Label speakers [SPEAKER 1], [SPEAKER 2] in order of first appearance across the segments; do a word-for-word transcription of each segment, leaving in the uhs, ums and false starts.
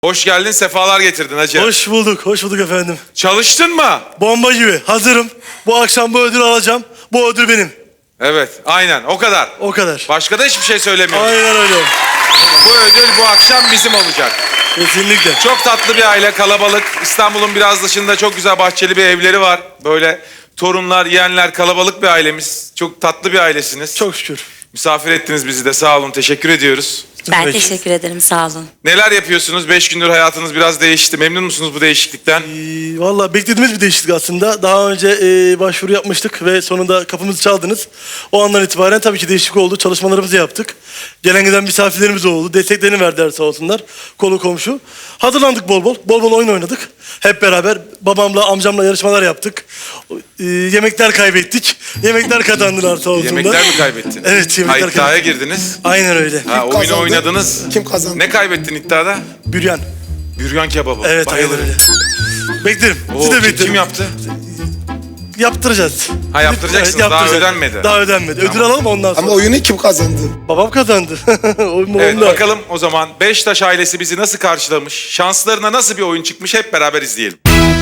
[SPEAKER 1] Hoş geldin, sefalar getirdin hacı.
[SPEAKER 2] Hoş bulduk, hoş bulduk efendim.
[SPEAKER 1] Çalıştın mı?
[SPEAKER 2] Bomba gibi, hazırım. Bu akşam bu ödülü alacağım. Bu ödül benim.
[SPEAKER 1] Evet, aynen o kadar.
[SPEAKER 2] O kadar.
[SPEAKER 1] Başka da hiçbir şey söylemiyorum.
[SPEAKER 2] Aynen öyle.
[SPEAKER 1] Bu ödül bu akşam bizim olacak.
[SPEAKER 2] Kesinlikle.
[SPEAKER 1] Çok tatlı bir aile, kalabalık. İstanbul'un biraz dışında çok güzel bahçeli bir evleri var. Böyle torunlar, yeğenler, kalabalık bir ailemiz. Çok tatlı bir ailesiniz.
[SPEAKER 2] Çok şükür.
[SPEAKER 1] Misafir ettiniz bizi de, sağ olun, teşekkür ediyoruz.
[SPEAKER 3] Ben
[SPEAKER 2] Peki.
[SPEAKER 3] teşekkür ederim, sağ olun.
[SPEAKER 1] Neler yapıyorsunuz? Beş gündür hayatınız biraz değişti. Memnun musunuz bu değişiklikten?
[SPEAKER 2] Ee, Valla beklediğimiz bir değişiklik aslında. Daha önce e, başvuru yapmıştık ve sonunda kapımızı çaldınız. O andan itibaren tabii ki değişiklik oldu. Çalışmalarımızı yaptık. Gelen giden misafirlerimiz oldu. Desteklerini verdiler sağ olsunlar. Kolu komşu. Hazırlandık bol bol. Bol bol oyun oynadık. Hep beraber babamla, amcamla yarışmalar yaptık. Ee, yemekler kaybettik. Yemekler kazandılar sağ olsunlar.
[SPEAKER 1] Yemekler mi kaybettin?
[SPEAKER 2] Evet, yemekler
[SPEAKER 1] Ha, iddiaya
[SPEAKER 2] kaybettik.
[SPEAKER 1] girdiniz.
[SPEAKER 2] Aynen öyle.
[SPEAKER 1] Ha, oyunu
[SPEAKER 4] kazandı?
[SPEAKER 1] oynadınız.
[SPEAKER 4] Kim kazandı?
[SPEAKER 1] Ne kaybettin iddiada?
[SPEAKER 2] Büryan.
[SPEAKER 1] Büryan kebabı.
[SPEAKER 2] Evet, aynen
[SPEAKER 1] Bayılırım.
[SPEAKER 2] öyle. Beklerim.
[SPEAKER 1] Oo,
[SPEAKER 2] Siz de
[SPEAKER 1] kim,
[SPEAKER 2] beklerim.
[SPEAKER 1] kim yaptı?
[SPEAKER 2] Yaptıracağız.
[SPEAKER 1] Ha, yaptıracaksınız.
[SPEAKER 2] Evet,
[SPEAKER 1] Daha
[SPEAKER 2] yaptıracağız.
[SPEAKER 1] ödenmedi.
[SPEAKER 2] Daha ödenmedi. Ödül alalım ondan sonra.
[SPEAKER 4] Ama oyunu kim kazandı?
[SPEAKER 2] Babam kazandı. Oyun
[SPEAKER 1] Evet,
[SPEAKER 2] onda.
[SPEAKER 1] bakalım o zaman Beştaş ailesi bizi nasıl karşılamış? Şanslarına nasıl bir oyun çıkmış? Hep beraber izleyelim.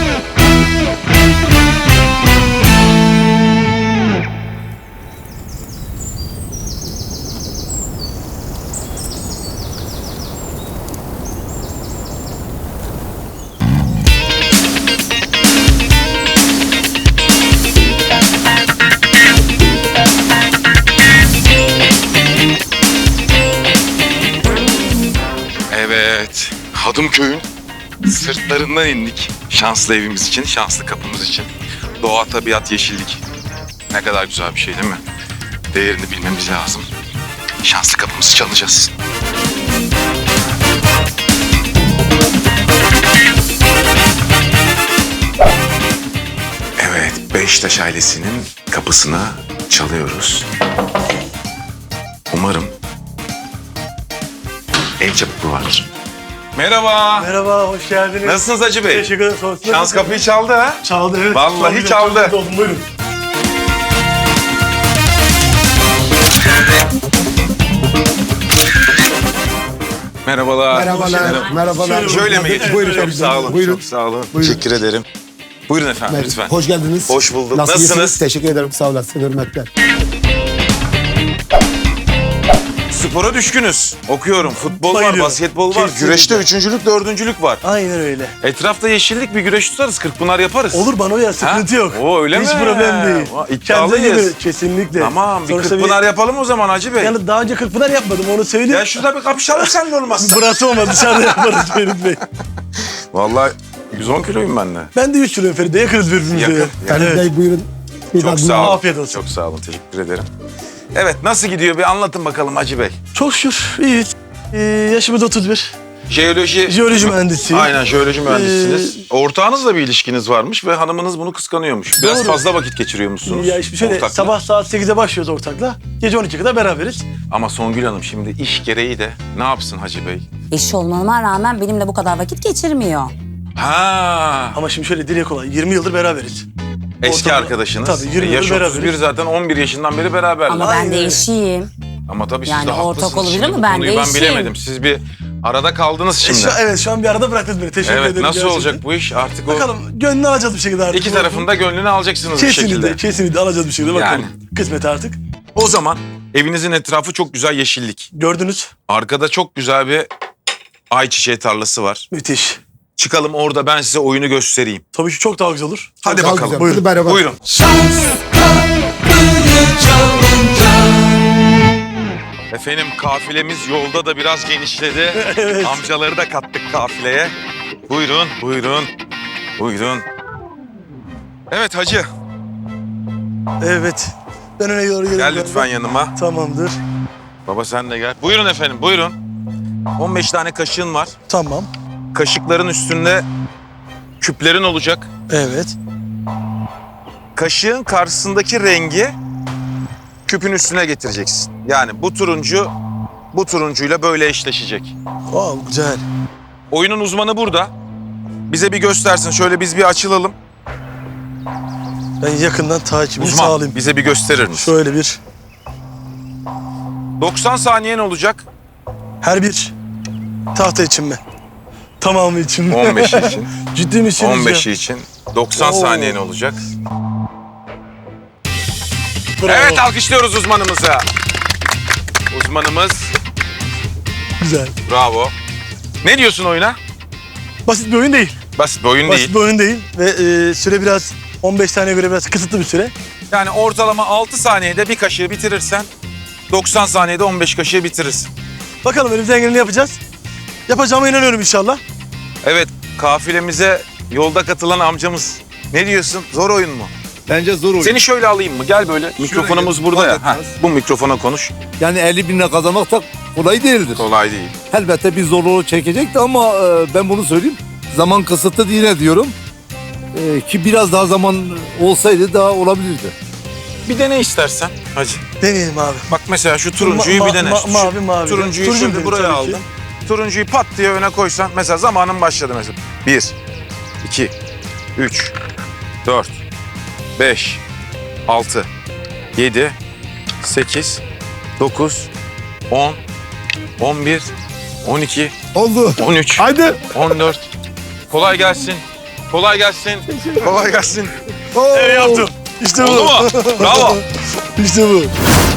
[SPEAKER 1] Evet, Hadımköy'ün sırtlarından indik. Şanslı evimiz için, şanslı kapımız için. Doğa, tabiat, yeşillik. Ne kadar güzel bir şey değil mi? Değerini bilmemiz lazım. Şanslı kapımızı çalacağız. Evet, Beştaş ailesinin kapısına çalıyoruz. Umarım ev çabukluğu vardır. Merhaba.
[SPEAKER 2] Merhaba, hoş geldiniz.
[SPEAKER 1] Nasılsınız Hacı Bey?
[SPEAKER 2] Teşekkür ederim. Sonrasında
[SPEAKER 1] Şans kapıyı çaldı ha?
[SPEAKER 2] çaldı, evet.
[SPEAKER 1] Vallahi
[SPEAKER 2] Çok
[SPEAKER 1] çaldı.
[SPEAKER 2] güzel, çok mutlu oldum. Buyurun.
[SPEAKER 1] Merhabalar.
[SPEAKER 4] Merhabalar, merhabalar.
[SPEAKER 1] Şöyle mi geçin?
[SPEAKER 4] Buyurun,
[SPEAKER 1] Çok
[SPEAKER 4] tabii,
[SPEAKER 1] sağ olun.
[SPEAKER 4] buyurun.
[SPEAKER 1] Çok sağ olun.
[SPEAKER 4] Buyurun.
[SPEAKER 1] Teşekkür ederim. Buyurun efendim lütfen.
[SPEAKER 4] Hoş geldiniz.
[SPEAKER 1] Hoş bulduk.
[SPEAKER 4] Nasılsınız?
[SPEAKER 1] Nasılsınız?
[SPEAKER 4] Teşekkür ederim, sağ olasın, hürmetler.
[SPEAKER 1] Spora düşkünüz. Okuyorum. Futbol var,
[SPEAKER 2] Bayılıyorum.
[SPEAKER 1] basketbol var.
[SPEAKER 2] Kesinlikle.
[SPEAKER 1] Güreşte üçüncülük, dördüncülük var.
[SPEAKER 2] Aynen öyle.
[SPEAKER 1] Etrafta yeşillik, bir güreş tutarız. Kırkpınar yaparız.
[SPEAKER 2] Olur bana ya, sıkıntı
[SPEAKER 1] Ha?
[SPEAKER 2] yok.
[SPEAKER 1] Oo, öyle
[SPEAKER 2] Hiç
[SPEAKER 1] mi?
[SPEAKER 2] problem değil.
[SPEAKER 1] Vay,
[SPEAKER 2] Kendinize
[SPEAKER 1] iddialıyız.
[SPEAKER 2] gelin. Kesinlikle.
[SPEAKER 1] Tamam, bir
[SPEAKER 2] Sonuçta
[SPEAKER 1] Kırkpınar yapalım o zaman Hacı Bey.
[SPEAKER 2] Yani daha önce Kırkpınar yapmadım, onu söyleyeyim.
[SPEAKER 1] Ya şurada bir kapışalım seninle olmazsa.
[SPEAKER 2] Burası olmaz, dışarıda yaparız Ferit Bey.
[SPEAKER 1] Vallahi yüz on kiloyum ben de.
[SPEAKER 2] Ben de üç kiloyum Ferit'e, yakınız birbirimize.
[SPEAKER 1] Yakın,
[SPEAKER 2] ya.
[SPEAKER 1] yakın.
[SPEAKER 4] Ferit Bey buyurun. Bir daha
[SPEAKER 1] Çok
[SPEAKER 4] buyurun.
[SPEAKER 1] sağ olun.
[SPEAKER 2] Afiyet olsun.
[SPEAKER 1] Çok sağ olun. Teşekkür ederim. Evet, nasıl gidiyor? Bir anlatın bakalım Hacı Bey.
[SPEAKER 2] Çok şükür, iyiyiz. Ee, yaşımız otuz bir.
[SPEAKER 1] Jeoloji...
[SPEAKER 2] Jeoloji mühendisiyim.
[SPEAKER 1] Aynen, jeoloji mühendisiniz. Ortağınızla bir ilişkiniz varmış ve hanımınız bunu kıskanıyormuş. Biraz
[SPEAKER 2] Doğru.
[SPEAKER 1] fazla vakit geçiriyormuşsunuz.
[SPEAKER 2] Ya işte şöyle,
[SPEAKER 1] ortakla.
[SPEAKER 2] sabah saat sekizde başlıyoruz ortakla. Gece on ikiye kadar beraberiz.
[SPEAKER 1] Ama Songül Hanım şimdi iş gereği de ne yapsın Hacı Bey?
[SPEAKER 3] Eşi olmama rağmen benimle bu kadar vakit geçirmiyor.
[SPEAKER 1] Ha,
[SPEAKER 2] Ama şimdi şöyle dile kolay, yirmi yıldır beraberiz.
[SPEAKER 1] eski
[SPEAKER 2] ortamda-
[SPEAKER 1] arkadaşınız.
[SPEAKER 2] Tabii, yirmi
[SPEAKER 1] E, Yaş
[SPEAKER 2] yıldır
[SPEAKER 1] otuz bir
[SPEAKER 2] beraberiz.
[SPEAKER 1] zaten, on bir yaşından beri beraberler.
[SPEAKER 3] Ama
[SPEAKER 1] Ama,
[SPEAKER 3] ben
[SPEAKER 2] Aynen
[SPEAKER 3] de
[SPEAKER 2] öyle.
[SPEAKER 3] eşiyim.
[SPEAKER 1] tabii siz
[SPEAKER 3] Yani
[SPEAKER 1] de
[SPEAKER 3] ortak
[SPEAKER 1] haklısınız.
[SPEAKER 3] olabilir
[SPEAKER 1] Şimdi
[SPEAKER 3] mi?
[SPEAKER 1] bu
[SPEAKER 3] Ben
[SPEAKER 1] konuyu
[SPEAKER 3] de
[SPEAKER 1] ben
[SPEAKER 3] eşiyim.
[SPEAKER 1] bilemedim. Siz bir arada kaldınız
[SPEAKER 2] E,
[SPEAKER 1] şimdi.
[SPEAKER 2] şu, evet, şu an bir arada bıraktınız beni. Teşekkür
[SPEAKER 1] Evet,
[SPEAKER 2] ederim.
[SPEAKER 1] nasıl
[SPEAKER 2] gerçekten.
[SPEAKER 1] olacak bu iş? Artık o
[SPEAKER 2] Bakalım, gönlünü alacağız bir şekilde artık.
[SPEAKER 1] iki tarafında gönlünü alacaksınız bir
[SPEAKER 2] Kesinlikle,
[SPEAKER 1] şekilde.
[SPEAKER 2] kesinlikle alacağız bir şekilde. Bakalım.
[SPEAKER 1] Yani.
[SPEAKER 2] Kısmet artık.
[SPEAKER 1] O zaman evinizin etrafı çok güzel yeşillik.
[SPEAKER 2] Gördünüz.
[SPEAKER 1] Arkada çok güzel bir ayçiçeği tarlası var.
[SPEAKER 2] Müthiş.
[SPEAKER 1] Çıkalım orada ben size oyunu göstereyim.
[SPEAKER 2] Tabii ki çok daha güzel olur.
[SPEAKER 1] Hadi
[SPEAKER 4] Daha
[SPEAKER 1] bakalım.
[SPEAKER 4] güzel.
[SPEAKER 2] Buyurun.
[SPEAKER 4] Hadi beraber.
[SPEAKER 1] Buyurun. Efendim kafilemiz yolda da biraz genişledi.
[SPEAKER 2] Evet.
[SPEAKER 1] Amcaları da kattık kafileye. Buyurun, buyurun, buyurun. Evet hacı,
[SPEAKER 2] Evet. Ben öne doğru geliyorum.
[SPEAKER 1] gel lütfen yanıma.
[SPEAKER 2] Tamamdır.
[SPEAKER 1] Baba sen de gel. Buyurun efendim, buyurun. on beş tane kaşığın var.
[SPEAKER 2] Tamam.
[SPEAKER 1] Kaşıkların üstünde küplerin olacak.
[SPEAKER 2] Evet.
[SPEAKER 1] Kaşığın karşısındaki rengi küpün üstüne getireceksin. Yani bu turuncu bu turuncuyla böyle eşleşecek.
[SPEAKER 2] Wow, güzel.
[SPEAKER 1] Oyunun uzmanı burada. Bize bir göstersin. Şöyle biz bir açılalım.
[SPEAKER 2] Ben yakından takibini
[SPEAKER 1] Uzman
[SPEAKER 2] sağlayayım.
[SPEAKER 1] bize bir gösterir misin?
[SPEAKER 2] Şöyle bir.
[SPEAKER 1] doksan saniyen olacak.
[SPEAKER 2] Her bir tahta için mi? Tamamı için.
[SPEAKER 1] on beşi için.
[SPEAKER 2] Ciddi misin?
[SPEAKER 1] on beşi için. doksan
[SPEAKER 2] Oo.
[SPEAKER 1] saniyen olacak.
[SPEAKER 2] Bravo.
[SPEAKER 1] Evet, alkışlıyoruz uzmanımızı. Uzmanımız
[SPEAKER 2] Güzel.
[SPEAKER 1] bravo. Ne diyorsun oyuna?
[SPEAKER 2] Basit bir oyun değil.
[SPEAKER 1] Basit bir oyun
[SPEAKER 2] Basit
[SPEAKER 1] değil.
[SPEAKER 2] bir oyun değil. Ve e, süre biraz on beş saniyeye göre biraz kısıtlı bir süre.
[SPEAKER 1] Yani ortalama altı saniyede bir kaşığı bitirirsen doksan saniyede on beş kaşığı bitirirsin.
[SPEAKER 2] Bakalım elimizden geleni yapacağız. Yapacağıma inanıyorum inşallah.
[SPEAKER 1] Evet, kafilemize yolda katılan amcamız. Ne diyorsun? Zor oyun mu?
[SPEAKER 5] Bence zor oyun.
[SPEAKER 1] Seni şöyle alayım mı? Gel böyle. Mikrofonumuz
[SPEAKER 5] gel,
[SPEAKER 1] burada ya.
[SPEAKER 5] fark
[SPEAKER 1] Heh,
[SPEAKER 5] etmez.
[SPEAKER 1] bu mikrofona konuş.
[SPEAKER 5] Yani elli bin lira kazanmak da kolay değildir.
[SPEAKER 1] Kolay değil.
[SPEAKER 5] Elbette bir zorluğu çekecekti ama e, ben bunu söyleyeyim. Zaman kısıtlı yine diyorum. E, ki biraz daha zaman olsaydı daha olabilirdi.
[SPEAKER 1] Bir dene istersen. Hacı.
[SPEAKER 2] Deneyelim abi.
[SPEAKER 1] Bak mesela şu turuncuyu
[SPEAKER 2] Ma-
[SPEAKER 1] bir dene.
[SPEAKER 2] ma-
[SPEAKER 1] Şu
[SPEAKER 2] mavi, mavi.
[SPEAKER 1] Turuncuyu
[SPEAKER 2] Turuncu
[SPEAKER 1] şöyle
[SPEAKER 2] dedim
[SPEAKER 1] buraya
[SPEAKER 2] tabii ki.
[SPEAKER 1] aldım. Turuncuyu pat diye öne koysan mesela zamanın başladı mesela. Bir, iki, üç, dört, beş, altı, yedi, sekiz, dokuz, on, on bir, on iki,
[SPEAKER 5] Oldu.
[SPEAKER 1] on üç,
[SPEAKER 5] Haydi.
[SPEAKER 1] on dört. Kolay gelsin. Kolay gelsin. Kolay gelsin.
[SPEAKER 2] Evet yaptım. İşte bu.
[SPEAKER 1] Oldu mu? Bravo.
[SPEAKER 2] İşte bu.